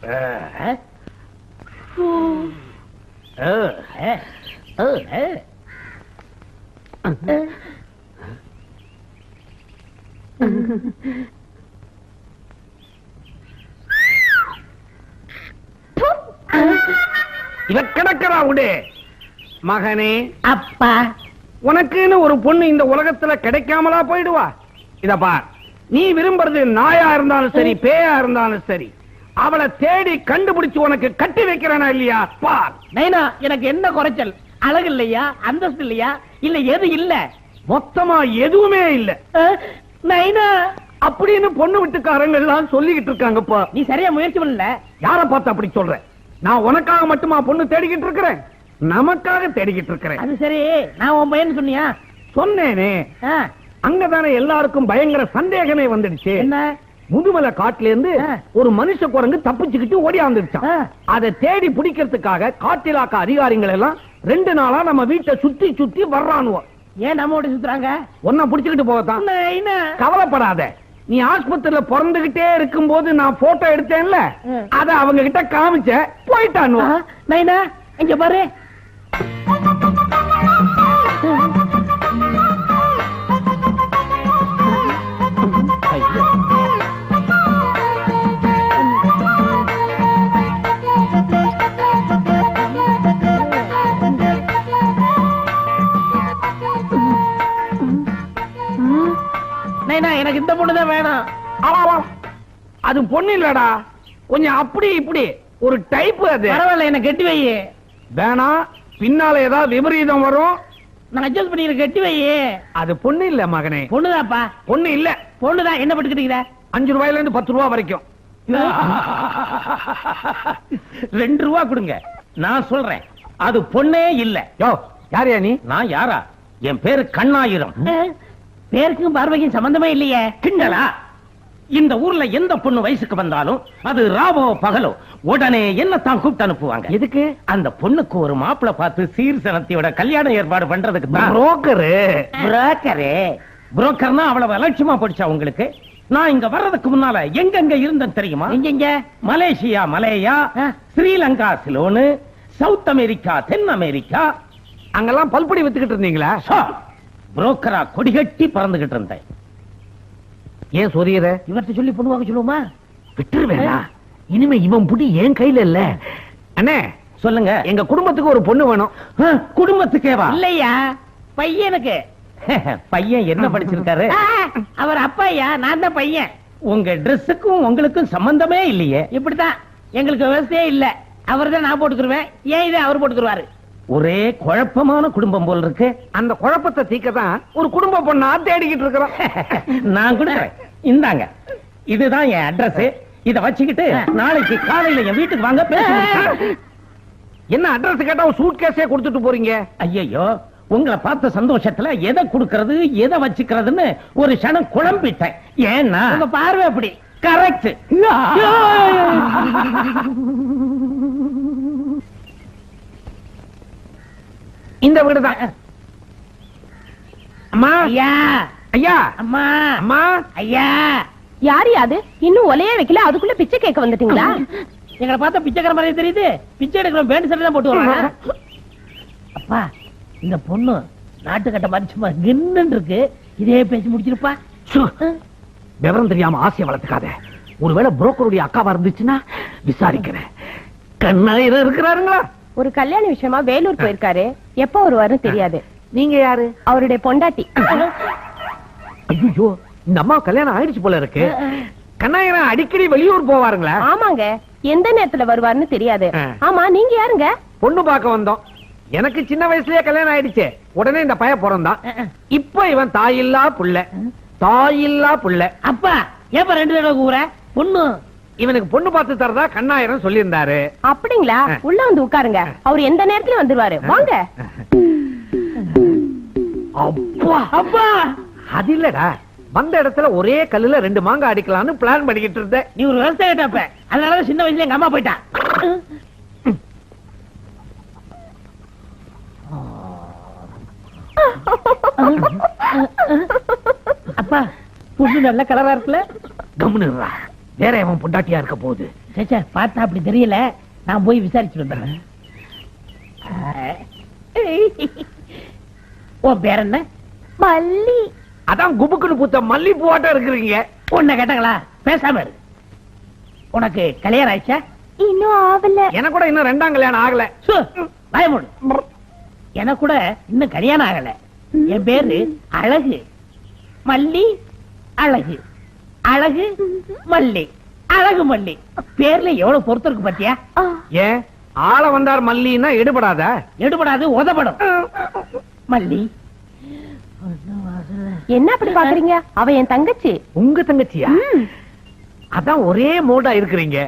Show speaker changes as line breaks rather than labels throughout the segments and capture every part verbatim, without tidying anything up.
இவ கிடக்கிறா விடு. மகனே,
அப்பா,
உனக்குன்னு ஒரு பொண்ணு இந்த உலகத்துல கிடைக்காமலா போயிடுவா? இத பார், நீ விரும்புறது நாயா இருந்தாலும் சரி, பேயா இருந்தாலும் சரி, அவளை தேடி கண்டுபிடிச்சு உனக்கு கட்டி வைக்கிறனா இல்லையா பார்.
நைனா, எனக்கு என்ன குறைச்சல்? அழகு இல்லையா, அந்தஸ்து இல்லையா, இல்ல எது இல்ல?
மொத்தமா எதுவுமே இல்ல
நைனா
அப்படின்னு பொண்ணு வீட்டுக்காரங்க எல்லாம் சொல்லிக்கிட்டு இருக்காங்கப்பா.
நீ சரியா முயற்சி பண்ணல.
யார பார்த்து அப்படி சொல்ற? நான் உனக்காக மட்டுமா பொண்ணு தேடிக்கிட்டு இருக்கிறேன்? நமக்காக தேடிக்கிட்டு இருக்கிறேன்.
அது சரி, நான் உன் பையன் சொன்னியா?
சொன்னேனே. அங்கதானே எல்லாருக்கும் பயங்கர சந்தேகமே வந்துடுச்சு.
என்ன?
முதுமலை காட்டுல இருந்து ஒரு மனுஷ குரங்கு தப்பிச்சுக்கிட்டு ஓடியாந்துருச்சான். அதை தேடி பிடிக்கிறதுக்காக காட்டிலாக்க அதிகாரிகள் எல்லாம் ரெண்டு நாளா நம்ம வீட்டை சுத்தி சுத்தி வர்றானுவோம்.
ஏன் நம்ம ஓடி சுத்துறாங்க?
ஒன்ன புடிச்சுக்கிட்டு போகத்தான். கவலைப்படாத, நீ ஆஸ்பத்திரியில பிறந்துகிட்டே இருக்கும் போது நான் போட்டோ எடுத்தேன்ல, அத அவங்க கிட்ட காமிச்ச போயிட்டான்.
நைனா, இங்க பாரு. நைனா, எனக்கு இந்த பொண்ணுதான் வேணும்.
அது பொண்ணு இல்லடா, கொஞ்சம் அப்படி இப்படி ஒரு டைப். அது
பரவாயில்ல, என்ன கெட்டி வை.
வேணா, பின்னால ஏதாவது விபரீதம் வரும்.
நான் அட்ஜஸ்ட் பண்ணி கெட்டி வை.
அது பொண்ணு இல்ல மகனே.
பொண்ணுதாப்பா.
பொண்ணு இல்ல,
பொண்ணுதான். என்ன பட்டுக்கிட்டீங்க?
அஞ்சு ரூபாயில இருந்து பத்து ரூபா வரைக்கும்.
ரெண்டு ரூபா கொடுங்க, நான் சொல்றேன். அது பொண்ணே இல்ல.
யோ, யாரையா நீ?
நான் யாரா? என் பேரு கண்ணாயிரம்.
பேருக்கும் பார்வைக்கும் சம்பந்தமே இல்லையே.
கிண்டலா? இந்த ஊர்ல எந்த பொண்ணு வயசுக்கு வந்தாலும் அது ராவோ பகலோ உடனே என்னத்தான் கூப்பிட்டு அனுப்புவாங்க.
எதுக்கு?
அந்த பொண்ணுக்கு ஒரு மாப்பிளை பார்த்து சீர்சனத்தையோட கல்யாணம் ஏற்பாடு பண்றதுக்கு தான்.
புரோக்கரு.
புரோக்கரு புரோக்கர்னா அவ்வளவு அலட்சியமா போடுச்சா உங்களுக்கு? நான் இங்க வர்றதுக்கு முன்னால எங்கெங்க இருந்தேன் தெரியுமா?
எங்க?
Malaysia Malaya, Sri Lanka Ceylon, South America தென் அமெரிக்கா,
அங்கெல்லாம் பல்படி வித்துக்கிட்டு இருந்தீங்களா?
புரோக்கரா கொடிகட்டி பறந்துகிட்டு இருந்தேன்.
ஏன் சொரியற?
இவர்கிட்ட சொல்லி பொண்ணுவாங்க சொல்லுவோமா?
விட்டுருவேடா. இனிமே இவன் புடி என் கையில இல்ல. அண்ணே
சொல்லுங்க.
எங்க குடும்பத்துக்கு ஒரு பொண்ணு வேணும்.
குடும்பத்துக்கேவா?
இல்லையா, பையனுக்கு.
பையன் என்ன படிச்சிருக்காரு?
அவர் அப்பாயா, நான் தான் பையன்.
உங்க ட்ரெஸ்ஸுக்கும் உங்களுக்கும் சம்பந்தமே இல்லையே.
இப்படித்தான், எங்களுக்கு விவசாயே இல்ல. அவர் தான் நான் போட்டுக்குருவேன், ஏன் இதை அவர் போட்டுக்குருவாரு.
ஒரே குழப்பமான குடும்பம் போல் இருக்கு.
அந்த குழப்பத்தை தீக்கதான் ஒரு குடும்ப பொண்ணா தேடிக்கிட்டு இருக்கிறோம்.
நான் கொடுக்கிறேன், இந்தாங்க. இதுதான் என் அட்ரஸ். இத வச்சுக்கிட்டு நாளைக்கு காலையில என் வீட்டுக்கு வாங்க. பேச
என்ன அட்ரஸ் கேட்டா சூட் கேஸே கொடுத்துட்டு போறீங்க?
ஐயோ, உங்களை பார்த்த சந்தோஷத்துல எதை கொடுக்கறது எதை வச்சுக்கிறதுன்னு ஒரு க்ஷணம் குழம்பிட்டேன். ஏன்னா
உங்க பார்வை அப்படி.
கரெக்ட்.
இந்த வீடுதான். அம்மா,
ஐயா,
ஐயா,
அம்மா,
அம்மா,
ஐயா.
யாரு அது? இன்னும் ஒலையே வைக்கல, அதுக்குள்ள பிச்சை கேட்க வந்துட்டீங்களா?
எங்களை பார்த்தா பிச்சைக்கார மாதிரி தெரியுது. பிச்சை எடுக்கிறோம், பேண்ட் சட்டை தான் போட்டு வராங்க. அப்பா, இந்த பொண்ணு நாட்டுக்கட்ட மாதிரி சும்மா கின்னு இருக்கு. இதே பேசி முடிச்சிருப்பா.
விவரம் தெரியாம ஆசையை வளர்த்துக்காத. ஒருவேளை புரோக்கருடைய அக்காவா இருந்துச்சுன்னா விசாரிக்கிறேன். கண்ணாயிரம் இருக்கிறாருங்களா?
ஒரு கல்யாண விஷயமா வேலூர் போயிருக்காரு. எப்ப வருவாருன்னு தெரியாது.
நீங்க யாரு?
அவருடைய பொண்டாட்டி.
ஐயோ, இந்த அம்மா கல்யாணம் ஆயிடுச்சு போல இருக்கு. கண்ணாயிரம் அடிக்கடி வெளியூர் போவாருங்களா?
ஆமாங்க, எந்த நேரத்துல வருவாருன்னு தெரியாது. ஆமா, நீங்க யாருங்க?
பொண்ணு பார்க்க வந்தோம். எனக்கு சின்ன வயசுலயே கல்யாணம் ஆயிடுச்சு. உடனே இந்த பையன் பிறந்தான். இப்ப இவன் தாயில்லா புள்ள. தாயில்லா புள்ள.
அப்பா, ஏப்ப ரெண்டு தடவை கூற? பொண்ணு
இவனுக்கு பொண்ணு பார்த்து தரதா கண்ணாயிரம் சொல்லி இருந்தாரு.
அப்படிங்களா? உள்ள வந்து உட்காருங்க, அவர் எந்த நேரத்துல வந்துருவாரு. வாங்க.
அப்பா,
அப்பா,
அது இல்லடா, வந்த இடத்துல ஒரே கல்லுல ரெண்டு மாங்காய் அடிக்கலாம்னு பிளான் பண்ணிக்கிட்டு இருந்த.
நீ ஒரு விவசாயிட்டப்ப, அதனாலதான் சின்ன வயசுல எங்க அம்மா போயிட்டான். அப்பா, பொண்ணு நல்ல கலரா இருக்குல்ல?
கம்முனுறா, வேற அவன் பொண்டாட்டியா இருக்க போகுது.
சேச்சா பார்த்தா அப்படி தெரியல, நான் போய் விசாரிச்சுட்டு வந்துடுறேன். உன் பேர் என்ன?
மல்லி.
அதான் குபுக்குன்னு பூத்த மல்லி பூவாட்டம் இருக்கிறீங்க.
உன்னை கேட்டாங்களா? பேசாம இரு. உனக்கு கல்யாணம் ஆயிடுச்சா?
இன்னும் ஆவல.
எனக்கு கூட இன்னும் ரெண்டாம் கல்யாணம் ஆகல.
சு, வாய மூடு. எனக்கு கூட இன்னும் கல்யாணம் ஆகல. என் பேரு அழகு மல்லி. அழகு அழகு மல்லி. அழகு மல்லி. பேர்ல எவ்வளவு பொறுத்து இருக்கு பாத்தியா?
ஆ.
ஏன் ஆள வந்தார் மல்லின்னா எடுபடாத?
எடுபடாது, உதப்படும். மல்லி.
என்ன அப்படி பாக்குறீங்க? அவ என் தங்கச்சி.
உங்க தங்கச்சியா?
ம்.
அதான் ஒரே மோடா இருக்கிறீங்க.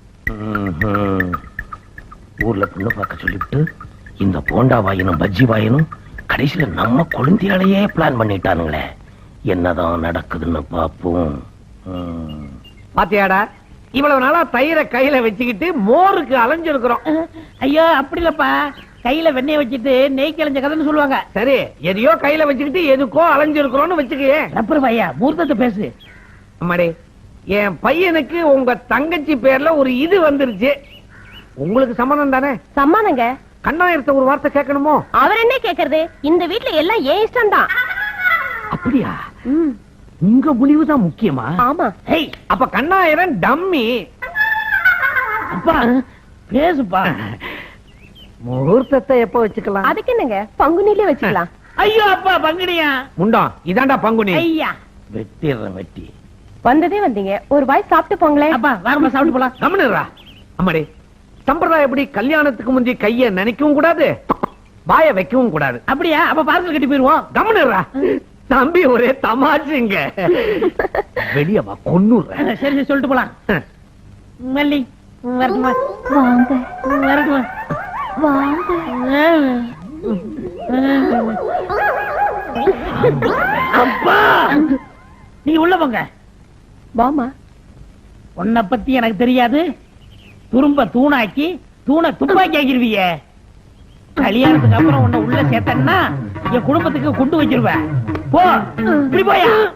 ஊர்ல பொண்ணு பார்க்க சொல்லிவிட்டு இந்த போண்டா வாயினும் பஜ்ஜி வாயினும் கடைசியில நம்ம குழந்தையாலேயே பிளான் பண்ணிட்டானுங்களே. என்னதான் நடக்குதுன்னு பாப்போம். ம்.
பாத்தியாடா, இவ்வளவு நாளா தயிரை கையில வச்சுக்கிட்டு மோருக்கு அலைஞ்சிருக்கிறோம்.
ஐயோ அப்படி இல்லப்பா, கையில வெண்ணெய் வச்சுட்டு நெய் கிழஞ்ச கதைன்னு சொல்லுவாங்க.
சரி, எதையோ கையில வச்சுக்கிட்டு எதுக்கோ அலைஞ்சிருக்கிறோம்னு வச்சுக்கே.
ரப்பர் பையா, மூர்த்தத்தை பேசு.
அம்மாடி, என் பையனுக்கு உங்க தங்கச்சி பேர்ல ஒரு இது வந்துருச்சு. உங்களுக்கு சம்மதம் தானே?
சம்மானங்க.
கண்ணாயிரத்த ஒரு வார்த்தை கேட்கணுமோ?
அவர் என்ன கேக்குறது? இந்த வீட்ல எல்லாம் ஏன் இஷ்டம் தான்.
அப்படியா? உங்க முடிவுதான் முக்கியமா?
ஆமா.
ஹேய், அப்ப கண்ணாயிரம் டம்மி.
அப்பா பேசுப்பா.
முகூர்த்தத்தை எப்ப வச்சுக்கலாம்?
அதுக்கு என்னங்க, பங்குனிலே வச்சுக்கலாம்.
ஐயோ அப்பா, பங்குனியா?
முண்டம், இதாண்டா பங்குனி.
ஐயா
வெட்டிடுறேன் வெட்டி.
வந்ததே வந்தீங்க, ஒரு வாய் சாப்பிட்டு போங்களேன்.
அப்பா வாரமா சாப்பிட்டு போலாம்.
கம்முனுடா. அம்மாடி, சம்பிரதாயம் எப்படி? கல்யாணத்துக்கு முந்தி கைய நினைக்கவும் கூடாது, வாய வைக்கவும் கூடாது.
அப்படியா? அப்ப பார்சல் கட்டி போயிருவோம்.
கம்முனுடா. தம்பி ஒரே தமாச்சுங்க. வெளிய வா, கொன்னுறேன்.
சரி சரி, சொல்லிட்டு போலாம். மல்லி வரட்டுமா?
வாங்க
வரட்டுமா?
வாங்க.
அப்பா நீ உள்ள போங்க.
வாமா.
உன்னை பத்தி எனக்கு தெரியாது. துரும்ப தூணாக்கி தூணை துப்பாக்கி ஆக்கிருவீங்க. கல்யாணத்துக்கு அப்புறம் உன்னை உள்ள சேர்த்தன்னா என் குடும்பத்துக்கு கொண்டு வச்சிருவேன். போ, இப்படி போயா.